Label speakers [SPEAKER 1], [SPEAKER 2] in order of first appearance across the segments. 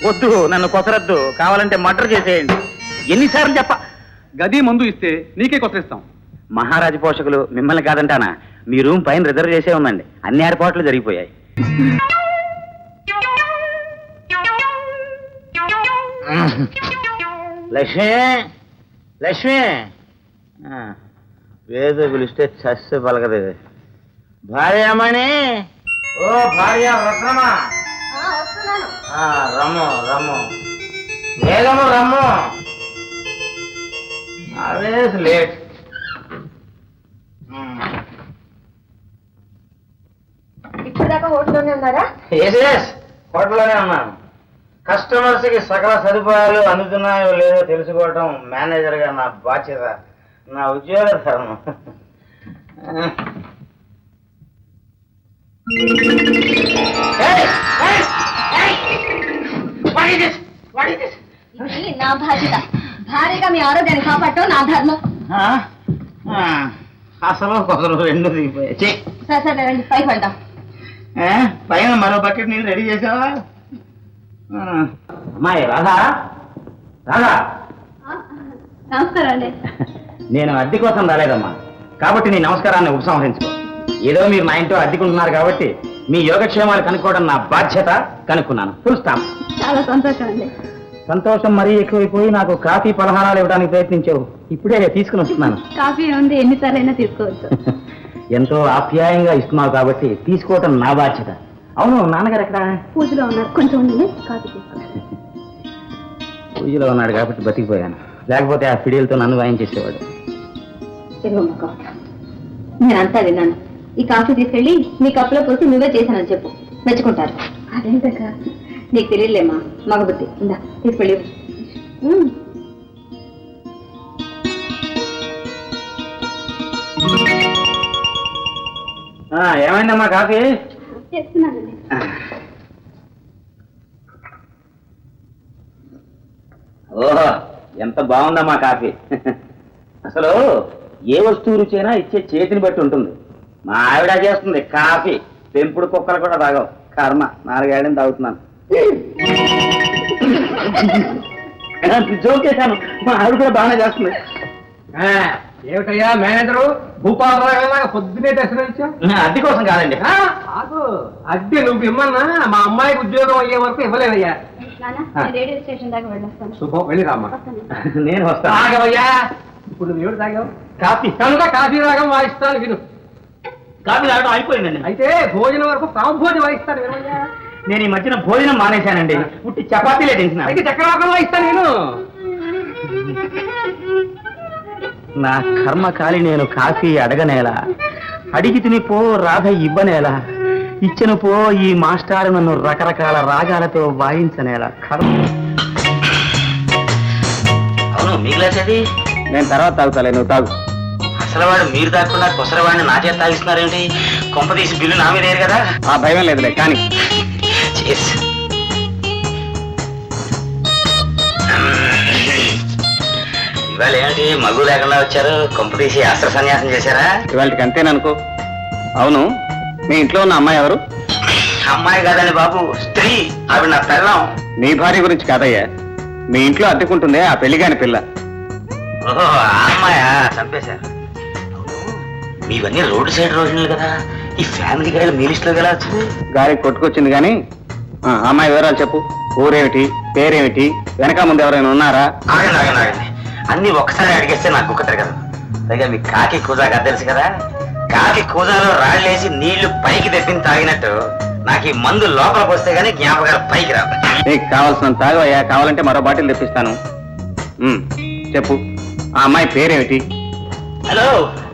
[SPEAKER 1] వద్దు, నన్ను కొసరద్దు. కావాలంటే మర్డర్ చేసేయండి. ఎన్నిసార్లు చెప్ప?
[SPEAKER 2] గది మందు ఇస్తే నీకే కొసరిస్తాం.
[SPEAKER 1] మహారాజు పోషకులు మిమ్మల్ని కాదంటానా? మీ రూమ్ పైన రిజర్వ్ చేసే ఉందండి. అన్ని ఏర్పాట్లు జరిగిపోయాయి. లక్ష్మి, లక్ష్మి, వేద పిలిస్తే చస్తే పలకదు. భార్యమణి, ఓ భార్య రత్నమా, రమ్ము రమ్ము, వేగము రమ్ము. Always late.
[SPEAKER 3] ఇప్పుడు దాకా హోటల్లోనే ఉన్నారా?
[SPEAKER 1] హోటల్లోనే ఉన్నాను. కస్టమర్స్ కి సకల సదుపాయాలు అందుతున్నాయో లేదో తెలుసుకోవటం మేనేజర్ గా నా బాధ్యత, నా ఉద్యోగ ధర్మం.
[SPEAKER 3] నా బాధ్యత. భారీగా మీ ఆరోగ్యాన్ని కాపాడటం నా ధర్మం.
[SPEAKER 1] అసలు కొందరు రెండు దిగిపోయాయి.
[SPEAKER 3] సరే సరే రండి, పైకి వెళ్దాం.
[SPEAKER 1] పైన మరో బకెట్ నీళ్ళు రెడీ చేసావా? అమ్మాయి రాధా, రాధా.
[SPEAKER 3] నమస్కారం అండి.
[SPEAKER 1] నేను అద్దె కోసం రాలేదమ్మా, కాబట్టి నీ నమస్కారాన్ని ఉపసంహరించుకో. ఏదో మీరు నా ఇంట్లో అద్దెకుంటున్నారు కాబట్టి మీ యోగక్షేమాలు కనుక్కోవడం నా బాధ్యత. కనుక్కున్నాను, ఫుల్ స్టాప్.
[SPEAKER 3] చాలా సంతోషం అండి.
[SPEAKER 1] సంతోషం మరీ ఎక్కువైపోయి నాకు కాఫీ పలహారాలు ఇవ్వడానికి ప్రయత్నించావు. ఇప్పుడే తీసుకుని వస్తున్నాను.
[SPEAKER 3] కాఫీ ఉంది, ఎన్నిసార్లు అయినా తీసుకోవచ్చు.
[SPEAKER 1] ఎంతో ఆప్యాయంగా ఇస్తున్నావు కాబట్టి తీసుకోవటం నా బాధ్యత. అవును, నాన్నగారు ఎక్కడ?
[SPEAKER 3] పూజలో ఉన్నారు, కొంచెం ఉంది, కాఫీ తీసుకోండి.
[SPEAKER 1] పూజలో ఉన్నాడు కాబట్టి బతికిపోయాను, లేకపోతే ఆ ఫిడియల్తో నన్ను వాయించేసేవాడు.
[SPEAKER 3] నేనంతా విన్నాను. ఈ కాఫీ తీసుకెళ్ళి నీ కప్పులో పోసి నువ్వే చేశానని చెప్పు, మెచ్చుకుంటారు. అదేంటక్క, నీకు తెలియలేమా మగబుద్ధి. ఇందా తీసుకెళ్ళి.
[SPEAKER 1] ఏమైందమ్మా కాఫీ?
[SPEAKER 3] చేస్తున్నానండి.
[SPEAKER 1] ఓహో, ఎంత బాగుందమ్మా కాఫీ. అసలు ఏ వస్తువు రుచైనా ఇచ్చే చేతిని బట్టి ఉంటుంది. మా ఆవిడ చేస్తుంది కాఫీ, పెంపుడు కుక్కలు కూడా తాగవు. కర్మ, 4 ఏళ్ళని తాగుతున్నాను. జోక్ చేశాను, మా ఆవిడ కూడా బాగానే చేస్తుంది.
[SPEAKER 2] ఏమిటయ్యా మేనేజరు, భూపాలరావు పొద్దునే దర్శనం.
[SPEAKER 1] అద్దె కోసం కాదండి.
[SPEAKER 2] అద్దె నువ్వు ఇమ్మన్నా మా అమ్మాయికి ఉద్యోగం అయ్యే వరకు ఇవ్వలేదయ్యా.
[SPEAKER 3] రేడియో స్టేషన్ దాకా వెళ్ళొస్తాను.
[SPEAKER 2] శుభం, వెళ్ళిరామ్మా.
[SPEAKER 1] నేను వస్తాను.
[SPEAKER 2] తాగవయ్యా, ఇప్పుడు నువ్వు ఏమిటి తాగావు? కాఫీ. కనుక కాఫీ రాగం వాయిస్తాను, విను.
[SPEAKER 1] కాఫీ తాగడం అయిపోయిందండి.
[SPEAKER 2] అయితే భోజనం వరకు ప్రాంభోజనం వాయిస్తాను, వినవయ్యా.
[SPEAKER 1] నేను ఈ మధ్యన భోజనం మానేశానండి. పుట్టి చపాతీలే తింటున్నా.
[SPEAKER 2] అయితే చక్రవాకం వాయిస్తాను, నేను.
[SPEAKER 1] నా కర్మకాలి నేను కాఫీ అడగనేలా, అడిగి తినిపో రాధ ఇవ్వనేలా, ఇచ్చిన పో ఈ మాస్టారు నన్ను రకరకాల రాగాలతో వాయించనేలా. కర్మ. అవును, మిగిలేసేది నేను తర్వాత తాగుతాలే, నువ్వు తాగు. అసలు వాడు మీరు తాగకుండా కొసరవాడిని నా చేత తాగిస్తున్నారేంటి? కొంప తీసి బిల్లు నా మీద కదా. ఆ భయం లేదులే కానీ. ఇవాళ ఏమిటి మగ్గు లేకుండా వచ్చారు? కొంప తీసి అస్త్ర సన్యాసం చేశారా? ఇవాళకి అంతేననుకో. అవును, మీ ఇంట్లో ఉన్న అమ్మాయి ఎవరు? అమ్మాయి కాదండి బాబు, స్త్రీ. ఆవిడ నా పెళ్ళం. నీ భార్య గురించి కాదయ్యా, మీ ఇంట్లో అద్దెకుంటుందే ఆ పెళ్లిగాని పిల్ల. ఓహో, ఆ అమ్మాయా? చంపేశారు. మీవన్నీ రోడ్డు సైడ్ రోజులు కదా, ఈ ఫ్యామిలీ గారి మీ లిస్టులో ఎలా వచ్చింది? గారికి కొట్టుకొచ్చింది కానీ అమ్మాయి వివరాలు చెప్పు. ఊరేమిటి, పేరేమిటి, వెనక ముందు ఎవరైనా ఉన్నారా? ఆగండి ఆగండి ఆగండి, అన్ని ఒక్కసారి అడిగేస్తే నాకు గుక్కతారు కదా. పైగా మీ కాకి కూజాగా తెలుసు కదా, కాకి కూజాలో రాళ్ళేసి నీళ్లు పైకి తెప్పింది తాగినట్టు నాకు ఈ మందు లోపలికి వస్తే గానీ జ్ఞాపకాలు పైకి రావు. నీకు కావాల్సినంత తాగవయ్యా, కావాలంటే మరో బాటిల్ తెప్పిస్తాను. చెప్పు, ఆ అమ్మాయి పేరేమిటి? హలో,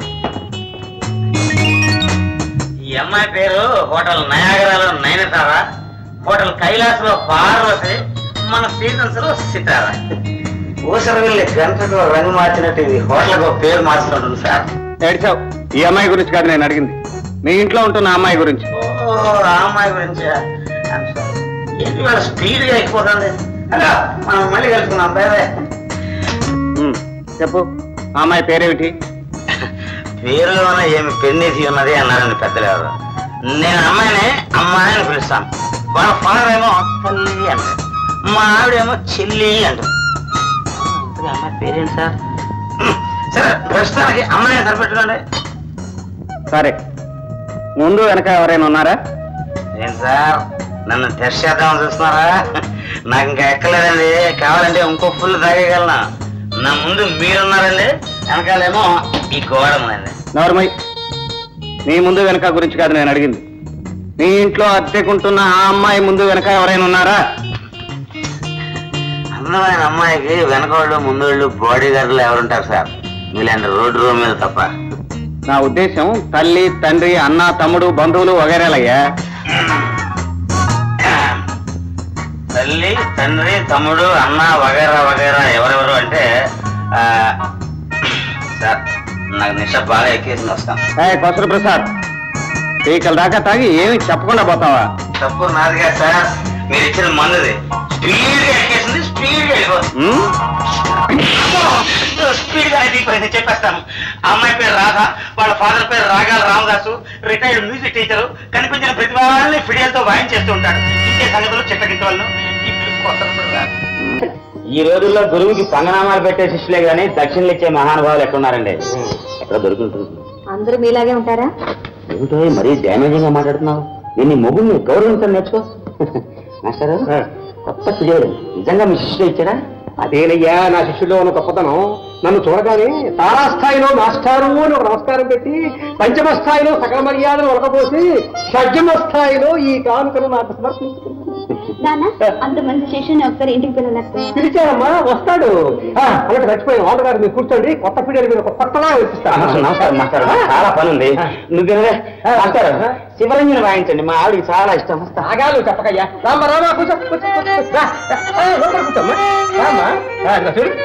[SPEAKER 1] ఈ అమ్మాయి పేరు హోటల్ నయాగరాలో నయనతార, హోటల్ కైలాస్ లో పార్వతి, మన సీజన్స్ లో సితార. ఊసర వెళ్ళి గంటకు రంగు మార్చినట్టు ఇది హోటల్కి ఒక పేరు మార్చుకుంటుంది సార్. ఏడ్చావు, ఈ అమ్మాయి గురించి కాదు నేను అడిగింది, మీ ఇంట్లో ఉంటున్న అమ్మాయి గురించి. ఓ, ఆ అమ్మాయి గురించి ఏంటి వాళ్ళ స్పీడ్ గా అయిపోతుంది. హలో, మనం మళ్ళీ కలుసుకున్నాం. పేరే చెప్పు, ఆ అమ్మాయి పేరేమిటి? పేరులోనే ఏమి పెన్నేసి ఉన్నది అన్నారండి పెద్దలు ఎవరు. నేను అమ్మాయిని అమ్మాయిని పిలుస్తాను, వాళ్ళ ఫాదర్ ఏమో తల్లి అన్నాడు. మా ఆవిడేమో చెల్లి అంటుంది. అమ్మాయి పేరేంటి సార్? సరే ప్రస్తుతానికి అమ్మాయిని సరిపెట్టుకోండి.
[SPEAKER 2] సరే, ముందు వెనక ఎవరైనా ఉన్నారా?
[SPEAKER 1] ఏంటి సార్ నన్ను టెస్ట్ చేద్దామని చూస్తున్నారా? నాకు ఇంకా ఎక్కలేదండి. కావాలంటే ఇంకో ఫుల్ తాగేయగలను. నా ముందు మీరున్నారండి, వెనకాలేమో ఈ గోడ ఉందండి.
[SPEAKER 2] నార్మల్, నీ ముందు వెనక గురించి కాదు నేను అడిగింది. నీ ఇంట్లో అద్దెకుంటున్న ఆ అమ్మాయి ముందు వెనక ఎవరైనా ఉన్నారా?
[SPEAKER 1] అందమైన అమ్మాయికి వెనకోళ్ళు ముందోళ్ళు బాడీ గార్డులు ఎవరుంటారు సార్? మీలాంటి రోడ్డు రూమ్ మీద తప్ప.
[SPEAKER 2] నా ఉద్దేశం తల్లి, తండ్రి, అన్న, తమ్ముడు, బంధువులు వగైరాలయ్యా.
[SPEAKER 1] తల్లి, తండ్రి, తమ్ముడు, అన్న వగైరా వగైరా ఎవరెవరు అంటే సార్ నాకు నిష బాగా ఎక్కేసింది. వస్తాం.
[SPEAKER 2] కొసరు ప్రసాద్, పీకల దాకా తాగి ఏమి చెప్పకుండా పోతావా?
[SPEAKER 1] తప్పు నాదిగా సార్, మీరు ఇచ్చిన మందుది. స్పీడ్ గా ఎక్కేసింది, స్పీడ్ గా వెళ్ళిపోతుంది. స్పీడ్ గా అయిపోయింది. చెప్పేస్తాను. ఆ అమ్మాయి పేరు రాధ, వాళ్ళ ఫాదర్ పేరు రాగాల రామదాసు, రిటైర్డ్ మ్యూజిక్ టీచరు. కనిపించిన ప్రతి వాళ్ళని ఫిడియల్తో వాయించేస్తూ ఉంటాడు. ఇంకే సంగతులు చెట్లకింటి వాళ్ళు. ఈ రోజుల్లో గురువుకి పంగనామాలు పెట్టే శిష్యులే గానీ దక్షిణలు ఇచ్చే మహానుభావులు ఎక్కడున్నారండి? ఎక్కడ దొరుకుతుంది?
[SPEAKER 3] అందరూ మీలాగే ఉంటారా?
[SPEAKER 1] ఏమిటో మరీ డ్యామేజింగ్ గా మాట్లాడుతున్నావు. దీన్ని మొగుడిని గౌరవించడం నేర్చుకో. మాస్టారు, కొత్త ఫిడియల్ నిజంగా మీ శిష్యులు ఇచ్చారా?
[SPEAKER 2] అదేనయ్యా నా శిష్యుల్లో ఉన్న గొప్పతనం. నన్ను చూడగానే తారాస్థాయిలో మాస్టారు అని ఒక నమస్కారం పెట్టి, పంచమ స్థాయిలో సకల మర్యాదలు ఒలకపోసి, షడ్జమ స్థాయిలో ఈ కానుకను నాకు సమర్పించుకున్నాను.
[SPEAKER 3] అంత మంచి శిష్యుని ఒకసారి ఇంటికి పిల్లలేకపోయాను.
[SPEAKER 2] పిలిచారమ్మా, వస్తాడు. అలాంటి చచ్చిపోయిన వాళ్ళు గారు మీరు కూర్చోండి. కొత్త పీరియడ్ మీద ఒక కొత్తలా
[SPEAKER 1] నమస్కారం మాస్టర్, చాలా పని ఉంది. నువ్వు మాస్టర్ శివరంజన్ వాయించండి, మా ఆవిడకి చాలా ఇష్టం.
[SPEAKER 2] తాగాలు చెప్పకయ్యా. రామ్మా రామా, కూర్చో కూర్చో కూర్చో. కూర్చోమ్మా. రామ్మా చూడు.